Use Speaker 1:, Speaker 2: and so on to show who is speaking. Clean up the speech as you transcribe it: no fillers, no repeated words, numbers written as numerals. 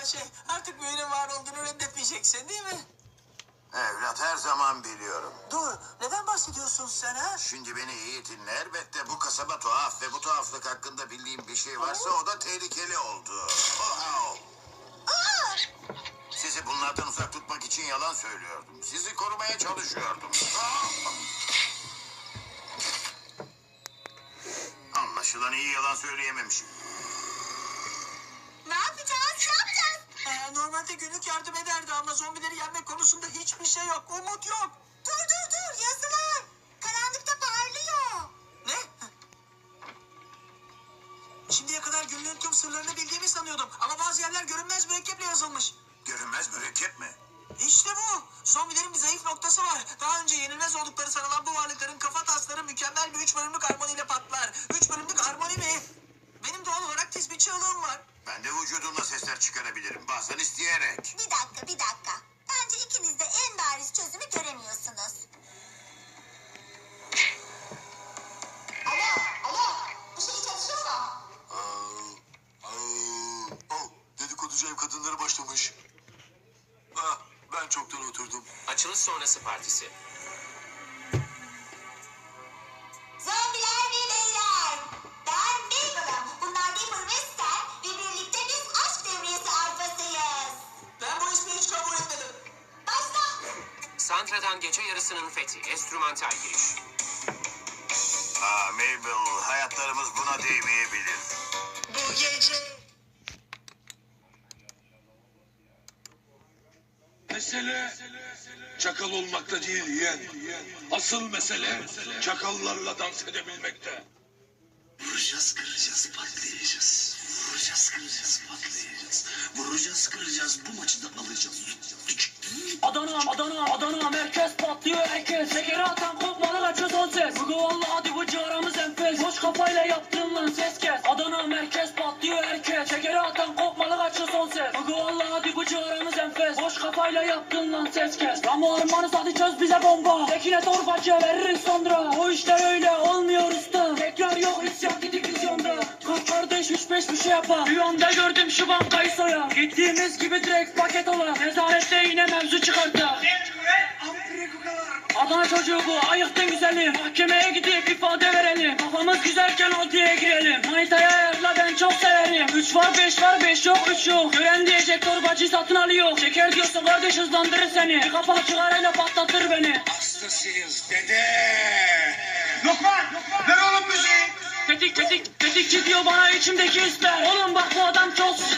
Speaker 1: Artık böyle var olduğunu reddetmeyeceksin değil mi?
Speaker 2: Evlat her zaman biliyorum.
Speaker 1: Dur, neden bahsediyorsun sen ha?
Speaker 2: Şimdi beni iyi dinle. Elbette bu kasaba tuhaf ve bu tuhaflık hakkında bildiğim bir şey varsa o da tehlikeli oldu. Oh. Sizi bunlardan uzak tutmak için yalan söylüyordum. Sizi korumaya çalışıyordum. Anlaşılan iyi yalan söyleyememişim.
Speaker 3: Ne yapacağız? Ne yapacağız?
Speaker 1: Normalde günlük yardım ederdi ama zombileri yenmek konusunda hiçbir şey yok. Umut yok.
Speaker 3: Dur yazılar. Karanlıkta parlıyor.
Speaker 1: Ne? Şimdiye kadar günlüğün tüm sırlarını bildiğimi sanıyordum. Ama bazı yerler görünmez mürekkeple yazılmış.
Speaker 2: Görünmez mürekkep mi?
Speaker 1: İşte bu. Zombilerin bir zayıf noktası var. Daha önce yenilmez oldukları sanılan bu varlıkların kafa tasları mükemmel bir 3 bölümlük harmoniyle patlar. 3 bölümlük harmoni mi? Benim doğal olarak tiz bir çığlığım var.
Speaker 2: Ben de vücudumla sesler çıkarabilirim. Bazen isteyerek.
Speaker 3: Bir dakika. Bence ikiniz de en bariz çözümü göremiyorsunuz. Alo. Bu şey çalışıyor mu?
Speaker 2: Dedikoducu ev kadınları başlamış. Ben çoktan oturdum.
Speaker 4: Açılış sonrası partisi.
Speaker 3: Zombiler ve beyler. Ben Mabel'ım. Bunlar Dipper ve Stan. Ve birlikte biz aşk devriyesi alfasıyız.
Speaker 1: Ben bu ismi hiç kabul etmedim.
Speaker 3: Başla.
Speaker 4: Santra'dan gece yarısının fethi. Enstrümantal giriş.
Speaker 2: Mabel, hayatlarımız buna değmeyebilir.
Speaker 1: Bu gece...
Speaker 5: Mesele çakal olmakta değil yeğen. Asıl mesele çakallarla dans edebilmekte.
Speaker 6: Vuracağız, kıracağız, patlayacağız. Vuracağız, kıracağız, patlayacağız. Vuracağız, kıracağız, bu maçı da alacağız.
Speaker 7: Adana merkez patlıyor herkes. Şekeri atan kopmalı kaçıyor son ses. Bugü valla hadi bu civarımız enfes. Boş kafayla yaptığın lan ses kes. Adana merkez patlıyor herkes. Şekeri atan kopmalı kaçıyor son ses. Bugü valla hadi bu civarımız enfes. Boş kafayla yaptığın lan ses kes. Ramo armanız hadi çöz bize bomba. Tekine torbacı veririz sonra. O işler öyle olmuyor usta. Tekrar yok isyan gidik vizyonda. Kalk kardeş 3-5 bir şey yapar. Rüyamda gördüm şu bankayı soya. Gittiğimiz gibi direkt paket ola. Nezarette yine mevzu çıkardı. Adana çocuğu bu, ayıktın güzelim. Mahkemeye gidip ifade verelim. Kafamız güzelken altıya girelim. Manitaya ayarla ben çok severim. 3 var 5 var 5 yok 3 yok. Gören diyecek torbacı satın alıyor. Şeker diyorsun kardeş hızlandırır seni. Bir kapak çıkarayla patlatır beni.
Speaker 5: Hastasıyız dede. Lokman, ver oğlum müziği.
Speaker 7: Tetikçi diyor bana içimdeki hisler. Oğlum bak bu adam çok